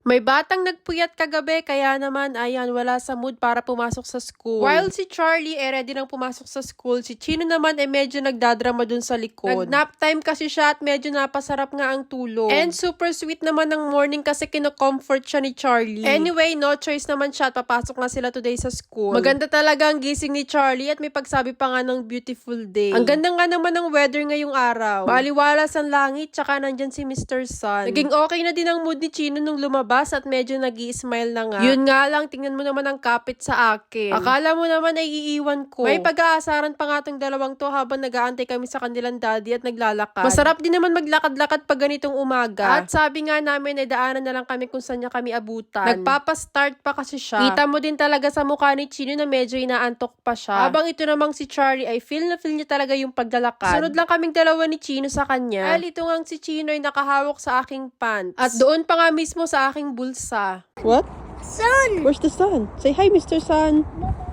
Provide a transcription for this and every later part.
May batang nagpuyat kagabi kaya naman ayan wala sa mood para pumasok sa school. While si Charlie ready nang pumasok sa school, si Chino naman medyo nagdadrama dun sa likod. Nag-nap time kasi siya at medyo napasarap nga ang tulog. And super sweet naman ng morning kasi kino-comfort siya ni Charlie. Anyway, no choice naman siya at papasok na sila today sa school. Maganda talaga ang gising ni Charlie at may pagsabi pa nga ng beautiful day. Ang ganda nga naman ng weather ngayong araw. Maliwalas ang langit tsaka nandyan si Mr. Sun. Naging okay na din ang mood ni Chino nung lumabas at medyo nag-i-smile na nga. Yun nga lang, tingnan mo naman ang kapit sa akin. Akala mo naman ay iiwan ko. May pag-aasaran pa nga tong dalawang to habang nag-aantay kami sa kanilang daddy at naglalakad. Masarap din naman maglakad-lakad pag ganitong umaga. At sabi nga namin ay daanan na lang kami kung saan niya kami abutan. Nagpapa-start pa kasi siya. Kita mo din talaga sa mukha ni Chino na medyo inaantok pa siya. Habang ito namang si Charlie ay feel na feel niya talaga yung paglalakad. Sunod lang kaming dalawa ni Chino sa kanya. Dahil ito nga si Chino ay nakahawak sa aking pants. At doon pa nga mismo sa aking bulsa. What? Sun! Where's the sun? Say hi, Mr. Sun.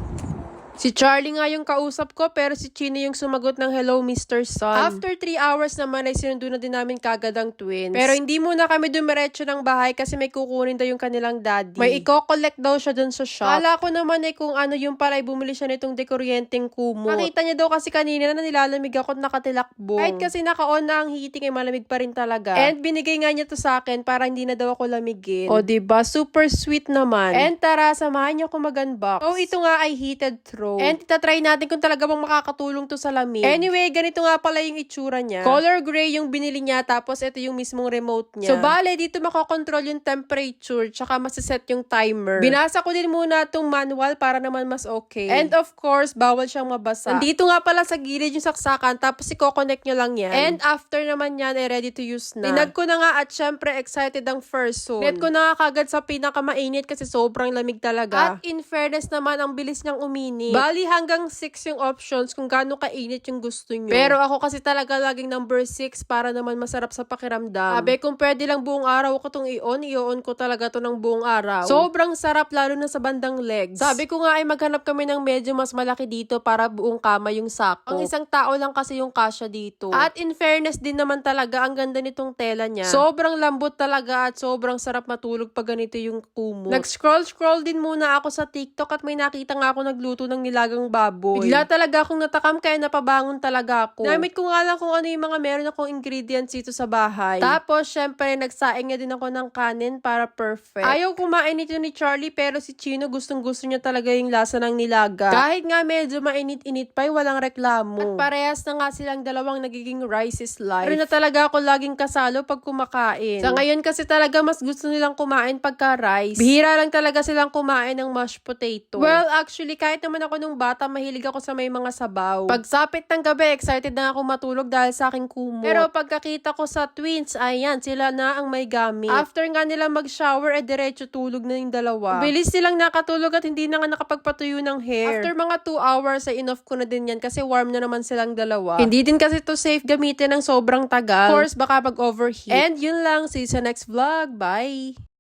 Si Charlie nga yung kausap ko pero si Chino yung sumagot ng hello Mr. Sun. After 3 hours naman ay sinundo na din namin kagad ang twins. Pero hindi muna kami dumiretso ng bahay kasi may kukunin daw yung kanilang daddy. May i-collect daw siya dun sa shop. Kala ko naman ay kung ano yung pala ay bumili siya nitong dekuryenteng kumot. Nakita niya daw kasi kanina na nilalamig ako at nakatilakbo. Kahit kasi naka-on na ang heating ay malamig pa rin talaga. And binigay nga niya to sa akin para hindi na daw ako lamigin. O diba? Super sweet naman. And tara, samahan niyo ako mag-unbox. So ito nga ay heated throw. And itatry natin kung talaga bang makakatulong to sa lamig. Anyway, ganito nga pala yung itsura niya. Color gray yung binili niya, tapos ito yung mismong remote niya. So, bale, dito makokontrol yung temperature, tsaka masiset yung timer. Binasa ko din muna itong manual para naman mas okay. And of course, bawal siyang mabasa. Nandito nga pala sa gilid yung saksakan, tapos i-connect nyo lang yan. And after naman yan, ready to use na. Tinag ko na nga at syempre excited ang first zone. Net ko na nga kagad sa pinakamainit kasi sobrang lamig talaga. At in fairness naman, ang bilis niyang uminit. Bali hanggang 6 yung options kung gaano kainit yung gusto nyo. Pero ako kasi talaga laging number 6 para naman masarap sa pakiramdam. Sabi, kung pwede lang buong araw ko itong i-on ko talaga to ng buong araw. Sobrang sarap lalo na sa bandang legs. Sabi ko nga ay maghanap kami ng medyo mas malaki dito para buong kama yung sako. Ang isang tao lang kasi yung kasya dito. At in fairness din naman talaga, ang ganda nitong tela niya. Sobrang lambot talaga at sobrang sarap matulog pag ganito yung kumot. Nag-scroll din muna ako sa TikTok at may nakita nga ako nagluto ng nilagang baboy. Bigla talaga akong natakam kaya napabangon talaga ako. Namit ko nga lang kung ano yung mga meron akong ingredients dito sa bahay. Tapos, syempre, nagsaing nga din ako ng kanin para perfect. Ayaw kumain ito ni Charlie pero si Chino gustong-gusto niya talaga yung lasa ng nilaga. Kahit nga medyo mainit-init pa, walang reklamo. At parehas na nga silang dalawang nagiging rice is life. Pero na talaga ako laging kasalo pag kumakain. Sa ngayon kasi talaga mas gusto nilang kumain pagka rice. Bihira lang talaga silang kumain ng mashed potato. Well, actually, kahit naman ako nung bata, mahilig ako sa may mga sabaw. Pagsapit ng gabi, excited na ako matulog dahil sa aking kumot. Pero pagkakita ko sa twins, ayan, sila na ang may gamit. After nga nila mag-shower, diretso tulog na yung dalawa. Bilis silang nakatulog at hindi na nga nakapagpatuyo ng hair. After mga 2 hours, ay enough ko na din yan kasi warm na naman silang dalawa. Hindi din kasi to safe gamitin ng sobrang tagal. Of course, baka mag-overheat. And yun lang, see you sa next vlog. Bye!